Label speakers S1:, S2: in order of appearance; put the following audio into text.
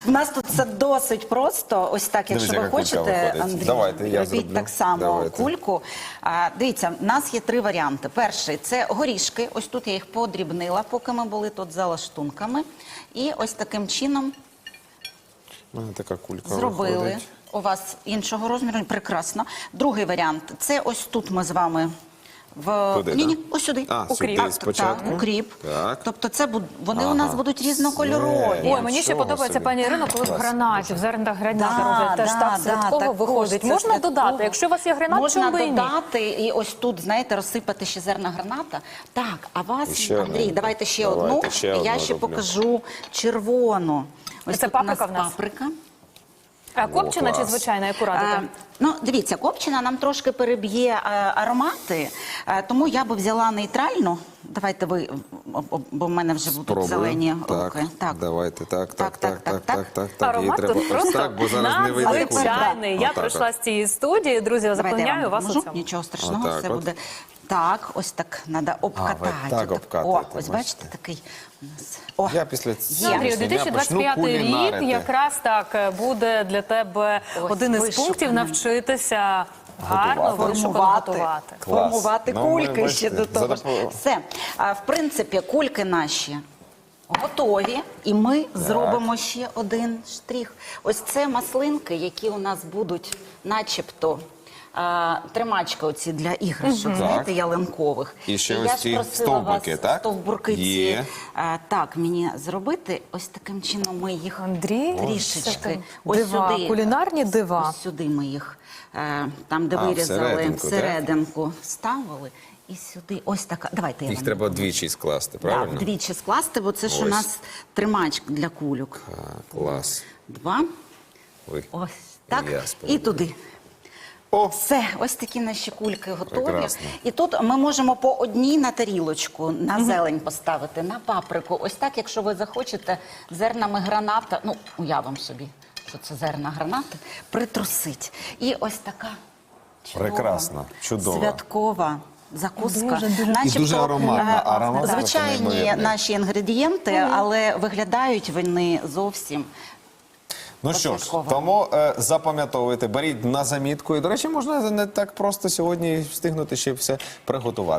S1: У нас тут це досить просто. Ось так, якщо
S2: Дивіться,
S1: ви
S2: яка кулька
S1: хочете,
S2: виходить.
S1: Андрій,
S2: Давайте, я
S1: робіть
S2: зроблю.
S1: так само
S2: Давайте.
S1: кульку. Дивіться, в нас є 3 варіанти. Перший – це горішки. Ось тут я їх подрібнила, поки ми були тут за лаштунками. І ось таким чином
S2: У мене така кулька
S1: зробили.
S2: виходить.
S1: У вас іншого розміру, прекрасно. Другий варіант – це ось тут ми з вами
S2: Куди,
S1: Ні,
S2: так?
S1: ось сюди.
S2: А,
S1: Укріп.
S2: сюди спочатку?
S1: Так, укріп.
S2: Так.
S1: Тобто це вони у нас будуть різнокольорові.
S2: Ой,
S3: Ой, мені ще
S2: Нічого
S3: подобається,
S2: собі.
S3: пані Ірино, коли в
S2: Клас.
S3: гранаті, в зернах граната
S1: Да,
S3: роблять. Теж
S1: да,
S3: так святково
S1: також
S3: виходить.
S1: це
S3: Можна
S1: святково.
S3: додати, якщо у вас є гранат,
S1: Можна
S3: чому би і ні?
S1: додати і ось тут, знаєте, розсипати ще зерна граната. Так, а вас,
S2: Ще
S1: Андрій,
S2: одну.
S1: давайте ще
S2: Давайте,
S1: одну.
S2: ще
S1: Я
S2: одну
S1: ще
S2: роблю.
S1: покажу червону. Ось
S3: Це
S1: тут у нас
S3: паприка в нас?
S1: паприка.
S3: А копчена чи
S2: клас.
S3: звичайна, яку радите?
S1: Ну, дивіться, копчена нам трошки переб'є аромати, тому я би взяла нейтральну. Давайте ви, бо в мене вже будуть
S2: Спробую.
S1: зелені
S2: Так,
S1: руки.
S2: давайте, так.
S3: Аромат
S2: Її треба
S3: тут
S2: ось
S3: просто
S2: так, бо зараз не вийде кулька.
S3: надзвичайний. Я
S2: Отак
S3: прийшла
S2: от.
S3: з цієї студії, друзі, я
S1: Давайте я
S3: запевняю
S1: вам
S3: вас у
S1: допоможу.
S3: цьому.
S1: Нічого страшного,
S2: Отак
S1: все
S2: от.
S1: буде. Так, ось так треба обкатати.
S2: ви так
S1: О,
S2: обкатуєте,
S1: ось
S2: бачите?
S1: бачите, такий у нас. О,
S2: Я після
S1: Є.
S3: Андрію,
S2: сьогоднішнього дня почну
S3: 2025 рік
S2: кулінарити.
S3: якраз так буде для тебе
S1: Ось,
S3: один із
S1: вишуканим.
S3: пунктів навчитися гарно
S2: Готувати.
S3: вишукано готувати.
S2: Клас.
S1: формувати
S2: Ну, ми,
S1: кульки ще
S2: бачите,
S1: до того. ж. Все. В принципі, кульки наші готові, і ми зробимо ще один штрих. Ось це маслинки, які у нас будуть начебто тримачки оці для іграшок, знаєте, ялинкових.
S2: І ще
S1: я
S2: ось
S1: ж
S2: ці
S1: просила
S2: стовбики,
S1: вас
S2: так?
S1: стовбурки ці,
S2: Є.
S1: так, мені зробити. Ось таким чином ми їх
S3: Андрій,
S1: трішечки.
S3: дива, кулінарні дива.
S1: Ось сюди ми їх, там, де вирізали,
S2: всерединку, так?
S1: всерединку ставили. І сюди, ось така. Давайте я
S2: Їх
S1: вам
S2: треба двічі скласти,
S1: так,
S2: правильно?
S1: вдвічі скласти, бо це ж у
S2: Ось.
S1: нас тримач для кульок.
S2: Клас.
S1: 2.
S2: Ой.
S1: Ось так.
S2: Я
S1: І
S2: спробую.
S1: туди.
S2: О,
S1: Все, ось такі наші кульки готові.
S2: Прекрасно.
S1: І тут ми можемо по одній на тарілочку, на зелень поставити, на паприку. Ось так, якщо ви захочете, зернами граната, ну, уявимо собі, що це зерна гранати, притрусить. І ось така чудова,
S2: Прекрасно, чудово.
S1: святкова закуска.
S3: Дуже-дуже.
S1: Начебто,
S2: І дуже ароматна. Аромат просто
S1: звичайні
S2: неймовірний.
S1: наші інгредієнти, але виглядають вони зовсім.
S2: ну що ж,
S1: Святково.
S2: тому запам'ятовуйте, беріть на замітку. І, до речі, можна не так просто сьогодні встигнути ще все приготувати.